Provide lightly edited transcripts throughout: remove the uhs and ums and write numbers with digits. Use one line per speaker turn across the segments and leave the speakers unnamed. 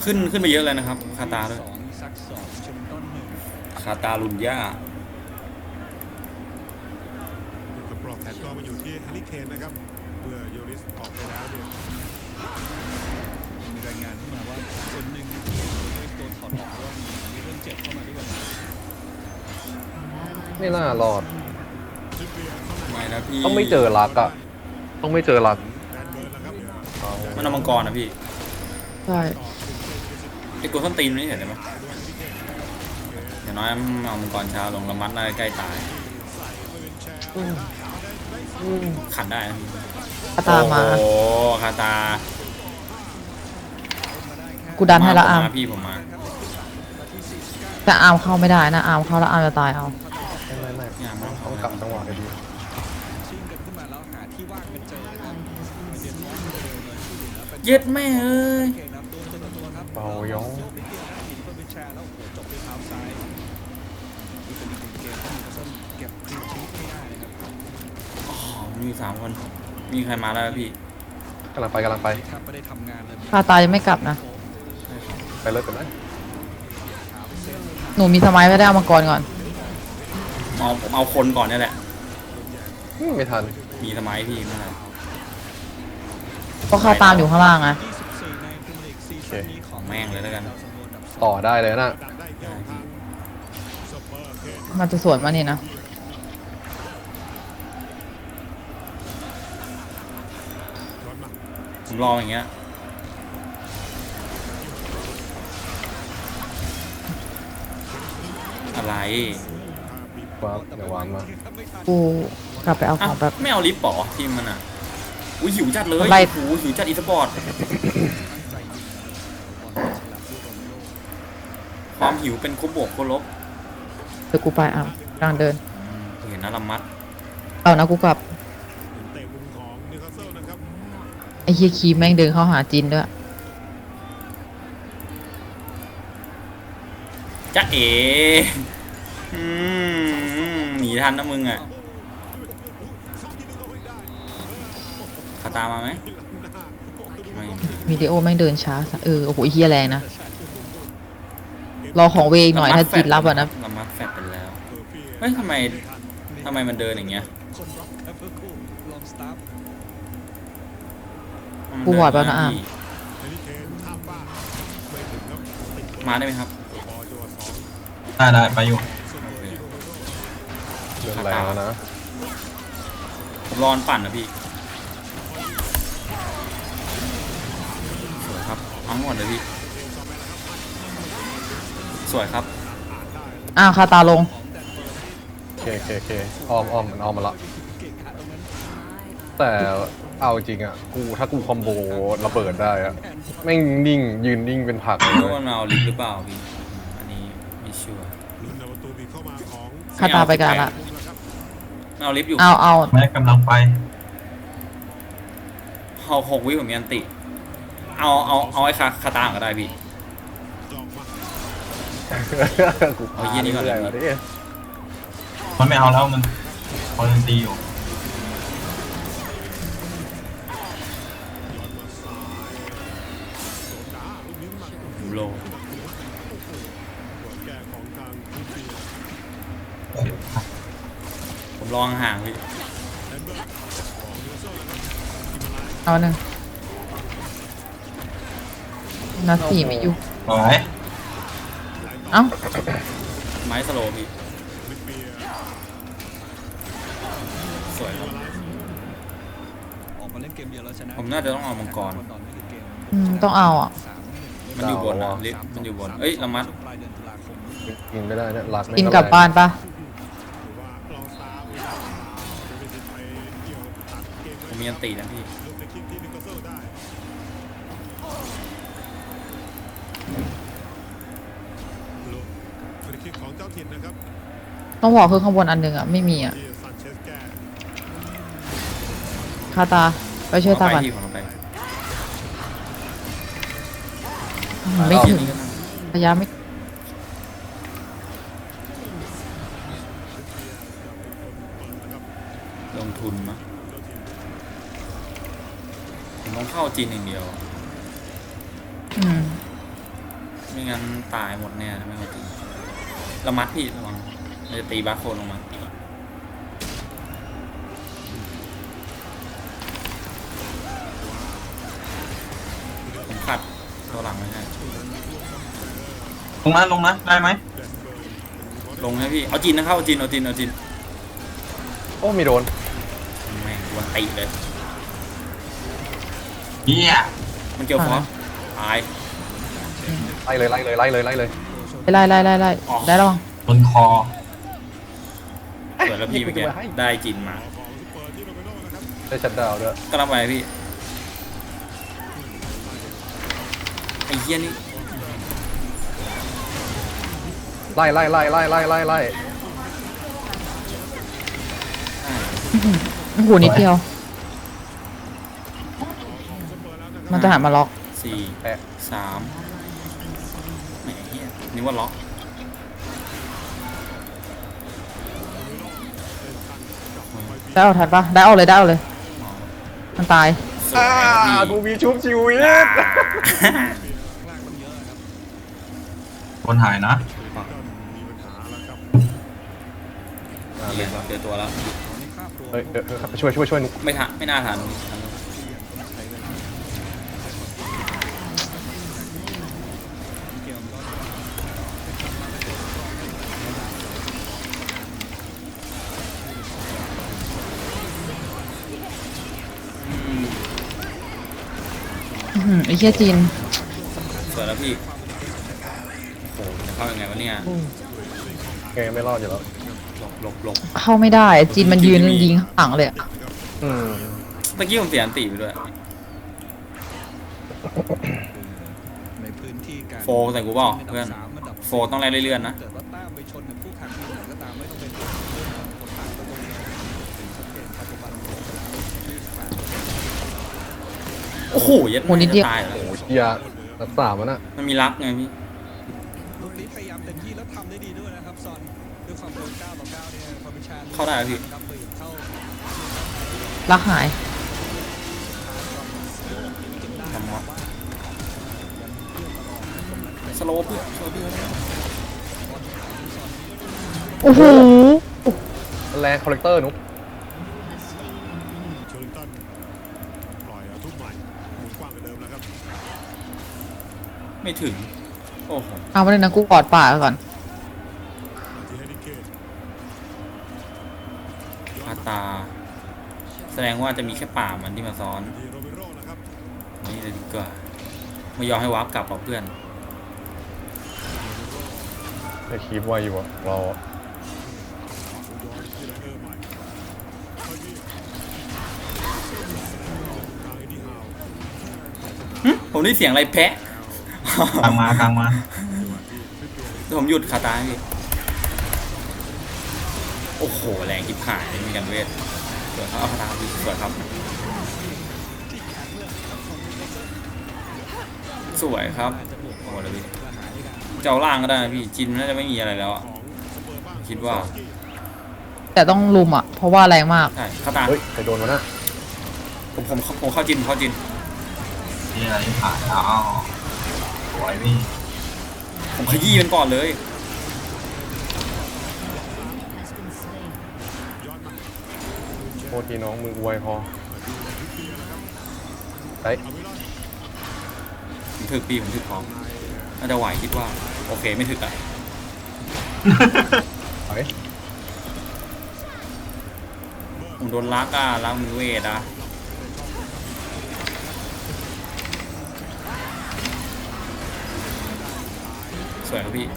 ขึ้นไปเยอะเลยนะครับคาตาด้วยคาตาลุนย่า
กับปลอกแขนก็มาอยู่ที่แฮร์รี่เคนนะครับเมื่อโยริสออกไปแล้วเนี่ย
มีรายงานเข้ามาว่าส่วนหนึ่งที่โยริสโดนถอดออกเพราะว่ามีเรื่องเจ็บเข้ามาด้วย
ไม่น่ารอด
ไม่นะพี่
ต้องไม่เจอรักอ่ะต้องไม่เจอรัก
มันเอามังกรนะพี่
ใช่
ไอ้กูต้นตีนนี่เห็นไหมอย่างน้อยเอามังกรช้าลงละมัดน่าจะใกล้ตายขัดได้นะพี่
คาตามา
โอ้คาตา
กูดันให้ละอาร์ม
พี่ผมมา
แต่อาร์มเข้าไม่ได้นะอาร์มเข้าแล้วอาร์มจะตายเอา
ไม่
เนี่ยมัน
ต้องกลับจังหวะดี
ชิงกันขึ้นมาแล้วหาที่ว่างเป็นเจอนะครับเดียนมอสเร็วเลย
เย็ดแม่เอ้ย
เก่งนำตัวครับ
เบาย้อง
โยกนิดเดียวนะหินเพิ่มเป็นแชร์แล้วโอ้โหจบด้วยเท้าซ้ายนี่เป็นอีกหนึ่งเกมที่นิวคาสเซิลเก็บคลีนชีทไม่ได้นะครับ
อ๋อมี3 คนมีใครมาแล้วพี่
กำลังไป
แทบไม่ได้ทำงานเลย
คาตายังไม่กลับนะ
ไปเลยกันไหม
หนูมีสมัยไม่ได้เอามังกรก่อน
เอาคนก่อนนี่แหละ
ไม่ทัน
มีสมัยพี่ไม่เป็นไร
เพราะคาตามอยู่ข้างล่างไง
24ในพรีเมียร์ลีกซีซั่นนี้ของ
แม่งเลยแล้วกัน
ต่อได้เลยนะ
มันจะสวนมานี่นะ
ผมรออย่างเงี้ยอะไร
ครับเดี๋ยววานมา
กูกลับไปเอาข
อ้า
อ
ว
งแบบ
ไม่เอาลิฟต์ป๋อทีมมันอ่ะอุ้ยหิวจัดเลย
ไล่
โอ้โหหิวจัดอีสปอร์ตความหิวเป็นคุบบวกคุบลบ
เดี๋ยวกูไปอาร์มกลางเดิน
เห็นนะละมัด
เอานะกูกลับ
เตะมุมของนิวคาสเซิลนะครับ
ไอ้เฮียคีแม่งเดินเข้าหาจินด้วย
จ๊ะเอ๋หนีทันนะมึงอ่ะคาตามาไหมไม่
วิดีโอแม่งเดินช้าซะโอ้โหไอ้เฮียแรงนะ รอของเวอีกหน่อยถ้าจินรับอ่ะนะ
ละมัดแฟดไปแล้วเฮ้ยทำไมมันเดินอย่างเงี้ย
คนร็อกแอปเปิลคูลองสตาร์ท
กูหวาดแล้วนะอาร์ม
แฮร์รี่เคนข้ามฟ้าไม่ถึงครับติด
มาได้ไหมครับ
บอลจังหวะสอง
ได้ไปอยู่
เรื่องแรงแล้วนะ
ผมรอนปั่นนะพี่สวยครับเอาหมดเลยพี่สวยครับ
อ้าวคาตาลง
เคอ้อมมันอ้อมมาละแต่เอาจริงอ่ะถ้ากูคอมโบระเบิดได้อ่ะแม่งนิ่งยืนนิ่งเป็นผักเล
ไม่รู้
ย
ว่ามันเอาลิฟต์หรือเปล่าพี่อันนี้ไม่ชัวร์
ลุ้นเอาประตูบีบเข้ามาของ
คาตาไปกันละ
มันเอาลิฟต์อยู่
เอา
แม่กำลังไป
เอา6 วิผมมีอันติเอาไอ้คาตาก็ได้พี่
จอกมา
กู
เอาเหี้ยนี่ก่อนเลย
รื่ๆ
มันไม่เอาแล้วมันคอนตีอยู่
ผมโล
แก่ของทางทูฟี
ผมรอห่างๆพี่
เอาหนึ่งนัดสี่ไม่อยู่
สวย
เอ้า
ไม้สโลว์พี่สวยครับ
ออกมาเล่นเกมเดียวแล้วชนะ
ผมน่าจะต้องเอามังกร
ตอนนี้คือเกม
ต้องเอาอ่ะ
มันอยู่บนนะลิฟต์มันอยู่บนเอ้ยละมัด
ปลายเดือนตุลาคม
ยิงไม่ได้เนี่ยรัก
กินกลับบ้านปะ
หรือว่าลองสตาร์จะมีสิทธิ์ไปเกี่ยวตัดเกม
ผมมีอันตินะพี่
ลูกในคิกที่นิวคาสเซิลได้ลูกฟรีคิกของเจ้าถิ่นนะครับ
ต้องบอกคือข้างบนอันหนึ่งอ่ะไม่มีอ่ะ
ที่ซานเชสแก้
คาตาไปช่วยตาก่อน
พี่ผมเอาไป
ไม่ถึง
นี่ก็ท
ระยะไม่
ำลงทุนมั้งผมต้องเข้าจีนอย่างเดียว
อืม
ไม่งั้นตายหมดเนี่ยไม่เอาจริงระมัดพี่ระวังมันจะตีบาร์โคนลงมาผมขัดตัวหลังไม่ให้
ลงนะได้ไหม
ลงให้พี่เอาจีนนะเข้าเอาจีน
โอ้มีโดน
แม่งดวนตีเลย
เฮีย
มันเกี่ยวฟอสตาย
ไล่เลยไล่เลยไล่เลยไล่เลย
ไล่ได้ระวัง
บนคอ
เปิดแล้วพี่เมื่อกี้ได้จีนมา
ได้ชัดดาวน์ด้วย
ก็รับไปพี่ไอ้เหี้ยนี่
ไล่ไล่ไล่ไล่ไล่ไล่ไล่
โอ้โหนิดเดียว มันจะหันมาล็อก
สี่
แปะ
สามแหมเหี้ยนี่ว่าล็อก
ได้เอาทันปะได้เอาเลย มันตาย
สวยครับ
กู
พี่
มีชุบชีวิต
ล่างมันเยอะครับ
บนหายนะ
เนี่ยเจอตัวแล้ว
ตอนนี้คาบตัว
เฮ้ยเดี๋ยวช่วยนุก
ไม่น่าทัน
เกมก็
ไอ้เหี้ยจีน
สวยแล้วพี่โอ้โหจะเข้ายังไงวะเนี่ย
ไงไม่รอดอยู่แล้ว
หลบ
เข้าไม่ได้ จีนมันยืนยิงข้างหลังเลยอะ
อืม
เมื่อกี้ผมเสียอันตีไปด้วย
ในพื้นที่การ
โฟร์ใส่กูเปล่าเพื่อน
สามระดับ
โฟร์ต้องไล่เลื่อนๆนะ
เกิดว่าแต้มไปชนกับคู่แข่งทีมไหนก็ตามไม่ต้องเป็นเรื่องของคนต่างประเทศชัดเจนปัจจุบันลงไปแล้ว28
โอ้โหยัด
โหนิดเดียว
ตายแล้ว
โอ้เฮียรักษามันอ่ะ
มันมีรักไงพี่
ลูกนี้พยายามเต็มที่แล้วทำได้ดีด้วยนะครับซอนด้วยความโดน9 ต่อ 9เนี่ยพอพิชา
เข้าได้แล้วพี่
ครับเปิดเข้า
รักหาย
ทำวะสโลว์เพื่อน
โอ้โห
แรงคอลเลกเตอร์นุก
โชลินตันปล่อยเอาทุกใหม่หมุนกว้างกว่าเดิมแล้วครับ
ไม่ถึงโอ้โห
เอาไปเลยนะกูกอดป่าก่อน
มาที่แฮร์รี่เคน
คาตา แสดงว่าจะมีแค่ป่ามันที่มาซ้อน
ที่โรเบโร่นะครับ
นี่เลยดีกว่าไม่ยอมให้วาร์ปกลับหรอกเพื่อน
ไอ้คีบไวอยู่อ่ะเราอะ
ย้อนที่ไลเออร์ใหม่เข้าที่ทางเอ็ดดี้ฮาว
ผมได้เสียงอะไรแพะ
กลางมา
ผมหยุดคาตาให้พี่โอ้โหแรงจิบหายมีกันเวทสวยครับเอาคาตาพี่สวยครับสวยครับโอ้โหแล้วพี่เจ้าล่างก็ได้นะพี่จินน่าจะไม่มีอะไรแล้วอะคิดว่า
แต่ต้องลุมอ่ะ เพราะว่าแรงมาก
ใช่คาตา
เฮ้ยใครโดนวะน่ะ
ผมเข้าจิน
เฮียที่ผ่านแล้วสวยพี่
ผมขยี้มันก่อนเลย
โทษทีน้องมืออวยพอไอ้
ผมถึกพี่ผมถึกพร้อมน่าจะไหวคิดว่าโอเคไม่ถึกอะ
ไอ้
ผมโดนลักอะลักมือเวทอะสวยครับพี่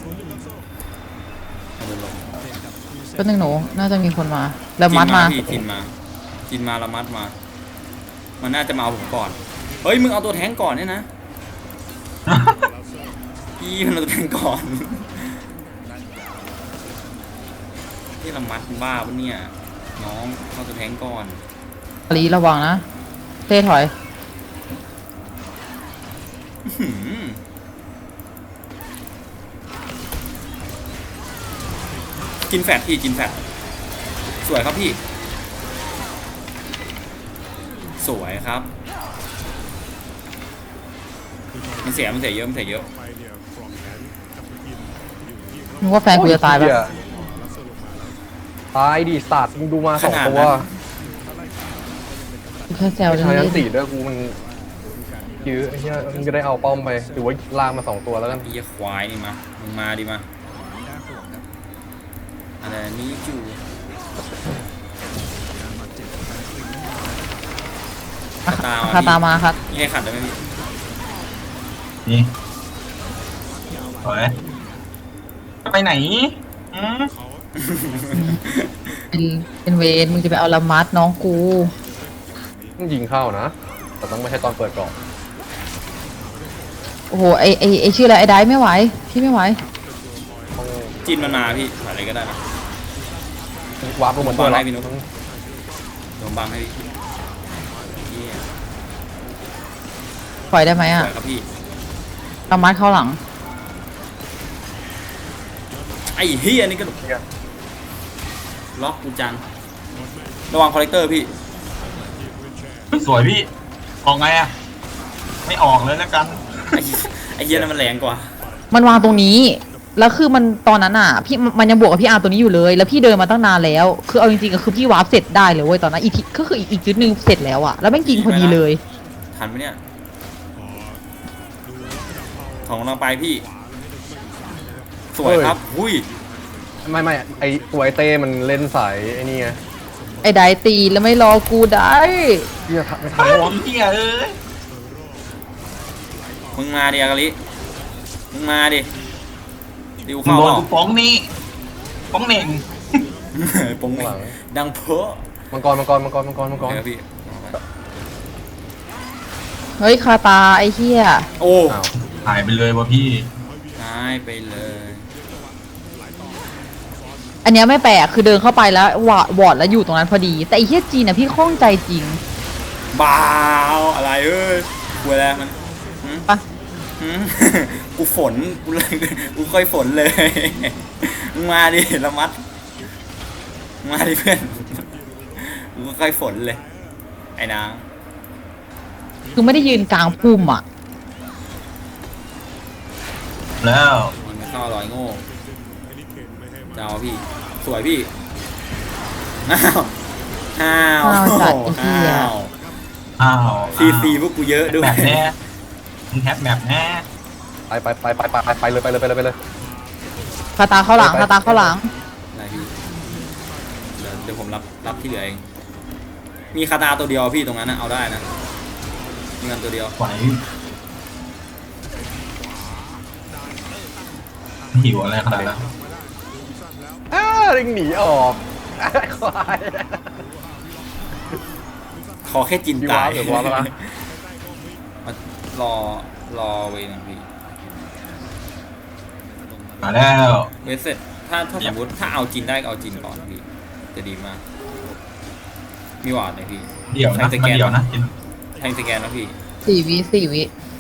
เอาโดนลง
ก็นึงหนู น่าจะมีคนมา แล้วมัดมา
พี่จินมาละมัดมา มันน่าจะมาเอาผมก่อนเฮ้ยมึงเอาตัวแทงก่อนเนี่ยนะพี่มันเอาตัวแทงก่อนที่ละมัดบ้าปะเนี่ยน้องเอาตัวแทงก่อน
ลีระวังนะเต้ถอย
หืมกินแฟตพี่กินแฟตสวยครับพี่ สวยครับ มันเสียเยอะ
ไปเนี่ยคน
นึกว่าแฟนกูจะตายปะ
เหี้ตายดิสัตว์มึงดูมาสองตัว
กูแค่แซว
ไม่
เล่
ใช่ทั้ง
น
สี่ด้วยกูมันยื้อไอ้เหี้ยมึงจะได้เอาป้อมไปหรือว่าลากมาสองตัวแล้วกัน
ไอ้เหี้ยควายนี่มามึงมาดิมา
น่าห่วงครับ
อะไรนี่จู
การบาดเจ็บของการคลินนั่น
คาตามาครับ
นี่ให้ขัดได้ไหมพี่
นี่สวยไปไหนอืม
เป็นเวนมึงจะไปเอาละมัดน้องกู
ต้องยิงเข้านะ แต่ต้องไม่ใช่ตอนเปิดกล่อง
โอ้โหไอชื่ออะไรไอไดไม่ไหวพี่ไม่ไหว
ต้อง
จินมันมาพี่อะไรก็ได้นะ
วาร์ปลงมาตัว
บอล
เรา
ให้พี่นุ๊ก โดนบังให้พี่เหี้ย
ปล่อยได้ไหม
ส
อ่ะ
วยครับพี่
ละมัดเข้าหลัง
ไอ้เฮียนี่ก็ล็อกกูจังระวังคอลเลกเตอร์พี่
สวยพี่ ออกไงอะไม่ออกเลยแล้วกัน
ไอ้เฮียนั่นมันแรงกว่า
มันวางตรงนี้ แล้วคือมันตอนนั้นอ่ะพี่มันยังบวกกับพี่อาร์ตัวนี้อยู่เลย แล้วพี่เดินมาตั้งนานแล้ว คือเอาจริงๆก็คือพี่วาร์ปเสร็จได้เลยเว้ยตอนนั้นอีกทีก็คืออีกจุดหนึ่งเสร็จแล้วอ่ะ แล้วแม่งจริงพอดีเลย
ทันไหมเนี่ยของกำลังไปพี่ สวยครับอุ้ย
ไม่ไอตัวไอเต้มันเล่นสายไอ้นี่ไง
ไอ้ไดตีแล้วไม่รอกูได้
เหี้ยไม่ทั
เฮ้
น
ยว
ะ
เฮียเอ้ย
มึงมาดิอากาลิมึงมาดิดิว
มึง
เข้า
โดน
เปล่า
กูฟ้องนี่ฟ้องเหน่ง
ปง
ข้างหลัง
ดังเพอ
มังกร
เดี๋ยวพี่
เฮ้ยคาตาไอ้เหี้ย
โอ้
อ้าว
หายไปเลยวะพี่
หายไปเลย
อันเนี้ยไม่แปลกคือเดินเข้าไปแล้ววอร์ดแล้วอยู่ตรงนั้นพอดี แต่ไอ้เหี้ยจีนอ่ะพี่ข้องใจจริง
บ้าวอะไรเอ้ยกลัวแล้วมันหืม
ปะ
หืม กูฝนกูเลยกูค่อยฝนเลยมึงมาดิละมัดมึงมาดิเพื่อนกูค่อยฝนเลยไอ้นาง
คือไม่ได้ยืนกลางพุ่มอ่ะ
แล้ว
มันไม่เข้าอร่อยโง่เจ้าพี่สวยพี่อ้าวอ้าว
อ้าวจัดไอ้เหี้ย
อ้าว
อ้าว
ซีพวกกูเยอะด้วย
แบบแน่มึงแฮปแบบแน่
ไปเลย
คาตาเข้าหลังคาตาเข้าหลัง
อะไรพี่เดี๋ยวผมรับที่เหลือเองมีคาตาตัวเดียวพี่ตรงนั้นนะเอาได้นะมีเงินตัวเดียว
ไหวหิวอะไรขนาดนั้น
ริงหนีออกควาย
ขอแค่จิน
พี่
ตา
ว้าย วหรือว้าวแล้วนะ
รอเวนึงพี่
มาแล้ว
เวสเสร็จถ้าสมมติถ้าเอาจินได้ก็เอาจินก่อนพี่จะดีมากมีหวาดเลยพี่
เดี๋ยวนะ
ใคร
มา
สแกน
เดี๋ยวนะ
แทงสแกนนะพี่
4 วิ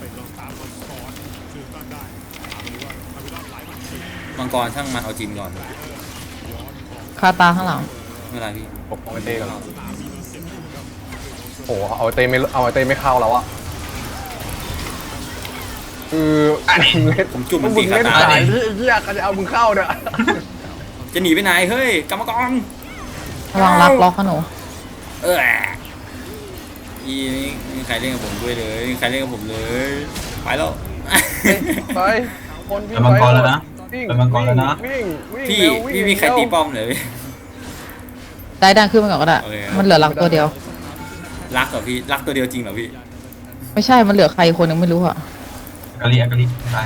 มังกรช่างมันเอาจินก่อน
คาตาข้างหลัง
ไม่เป็นไรพี่
ปกป้องไอเต้กันโอ้โหเอาไอเต้ไม่เข้าแล้วอะคือเล่น
ผมจุ่มมัน
มึ
ตี
ง
คา
เล่น
ตา
สายเหี้ยก็จะเอามึงเข้าเนี่ย
จะหนีไปไหนเฮ้ยกรรมกร
ระวังล็อกนะหนู
อีนี่มีใครเล่นกับผมด้วยเลยมีใครเล่นกับผมเลยไปแล้ว
ไปคนวิ่
ไปมังกรแล้วนะ
วิ่ง
ไปมังกรแล้วนะ
วิ่ง
พี่
เร็ววิ่ง
พี่มีใครตีป้อมเลย
ได้ดันขึ้นมาก่อนก็ได้
โอเค
มันเหลือหลักตัวเดียว
รักเหรอพี่รักตัวเดียวจริงเหรอพี่
ไม่ใช่ มันเหลือใครคนนึงไม่รู้อะ
อากาลิได้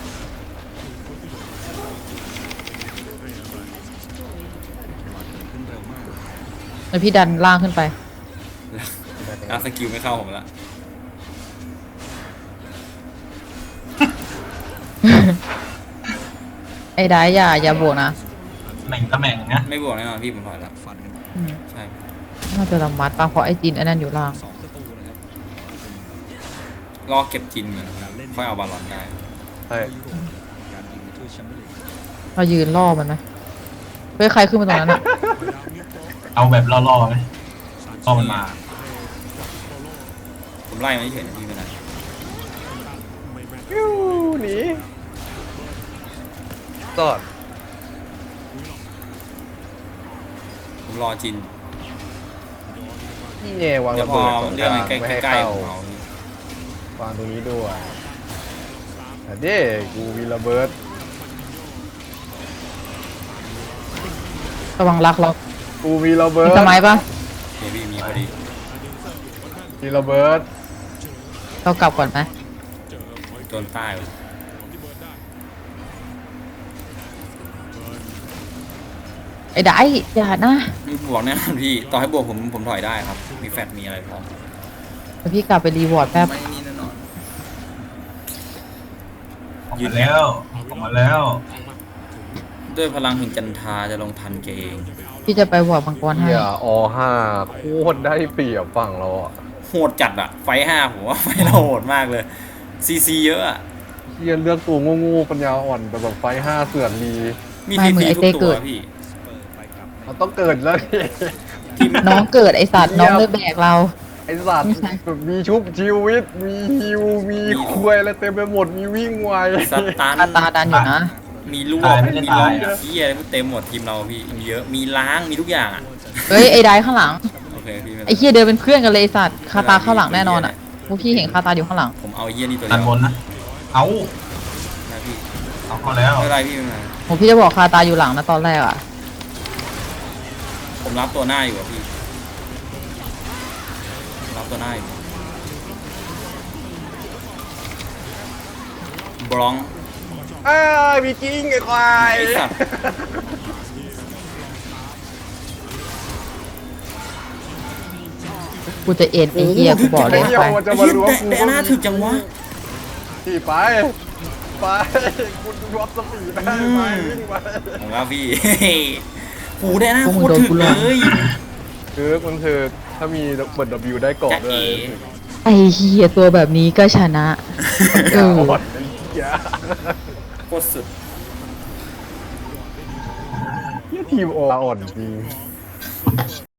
ขึ้นเร็วมาก
แล้วพี่ดันล่างขึ้นไป
รักสกิลไม่เข้าผมละ
ไอ้ได้อย่าบวกนะ
แม่งก็แม่งนะ
ไม่บวกแน่นอนพี่ผมถอยละ
ฟันกัน
อืม
ใช่
น่าจะละมัดปะเพราะไอ้จีนไอ้นั่นอยู่ล่าง
2 ประตูนะครับ
รอเก็บจินเหมือนค่อยเอาบอลลอนได้
ใช่
การยิงในถ้วยแชมเปี้ยนลีก
เรายืนล่อมันไหมเฮ้ยใครขึ้นมาตรงนั้นอะ
เอาแบบล่อๆไหมล่อมันมา
ผมไล่มาเฉยๆนะพี่ไม่เป็นไร
ยูหนีกอด
ผมรอจิน
นี่ไงวาง
เดี๋ย
ระ
วพอ
เบิดตรง
เรื่อง
กลาง
ใกล้
ไม่ให้
ใกล้
เข้า
ๆผมเอา
วางตรงนี้ด้วยแต่เด้กูมีระเบิด
ระวังรักเรา
กูมีระเบิ
มี
ด
สมัยปะ
เฮฟวี่มีพอดี
มีระเบิด
เรากลับก่อนไหม
โดนใต้ว่ะ
ไอ้ได้อย่านะ
มีบวกแน่นอนพี่ ต่อให้บวกผมถอยได้ครับ มีแฟตมีอะไรพร้อม
เดี๋ยวพี่กลับไปรีวอร์ดแป๊บ
ไม่นี่แน่นอน
ออกมาแล้วออกมาแล้ว
ด้วยพลังแห่งจันทราจะลงทันเกง
พี่จะไปวอร์ดมังกรให้
เฮียอ5โคตรได้เปรียบฝั่งเราอ่ะ
โหดจัดอะไฟห้าผมว่าไฟเราโหดมากเลยซีซีเยอะอะ
เฮียเลือกตัวโง่ๆปัญญาอ่อนแต่แบบไฟ5เสือนดี
มีซีซีทุกตัวพี่
มันต้องเกิดแล้วดิ
น้องเกิดไอสัตว์น้องเลยแบกเรา
ไอสัตว์
ไม่ใช่
แบบมีชุบชีวิต มีฮิว มีคุยอะไรเต็มไปหมด มีวิ่งไว
สตาร์
คาตาดันอยู่นะ
มีลวกมีล็อกที่อะไรเต็มหมดทีมเราพี่มีเยอะมีล้างมีทุกอย่างอะ
เฮ้ยไอ้ได้ข้างหลัง
โอเคพี่ไม่
ไอ้เฮียเดินเป็นเพื่อนกันเลยไอ้สัตว์คาตาข้างหลังแน่นอนอ่ะพวกพี่เห็นคาตาอยู่ข้างหลัง
ผมเอาเยี่ยนี่ตัว
ด้า
เดี
น
ยว
บนนะ เอา
นะพี่
เอาเข้าแล้ว
ไม่เป็นไรพี่ไม่เป็นไร
ผมพี่จะบอกคาตาอยู่หลังนะตอนแรกอ่ะ
ผมรับตัวหน้าอยู่อะพี่รับตัวหน้าอยู่บล็อง
มีกิ้งไอ้ควาย
ไอ้สัตว์
กูจะเอ็นไอ้เฮียกูบอกเลย
เดียว
ไป
มันจะ
ไอ้
มา
เหี้ย
ล้วง
แต่
กู
หน้าถึกจังวะ
ที่ไป ไปคุณวัดสปีดได้ไหมวิ่งไป
ผมว่าพี่ หูได้หน้าโคตรถึกเลย
คือมันคือถ้ามีเปิด W ได้เกาะ
จะ
ด้ว
เอ๋
ย
ไอ้เฮียตัวแบบนี้ก็ชนะ เออ
หมดไอ้เหี้ย
โคตรสุด
ทีมโออ่อนจริง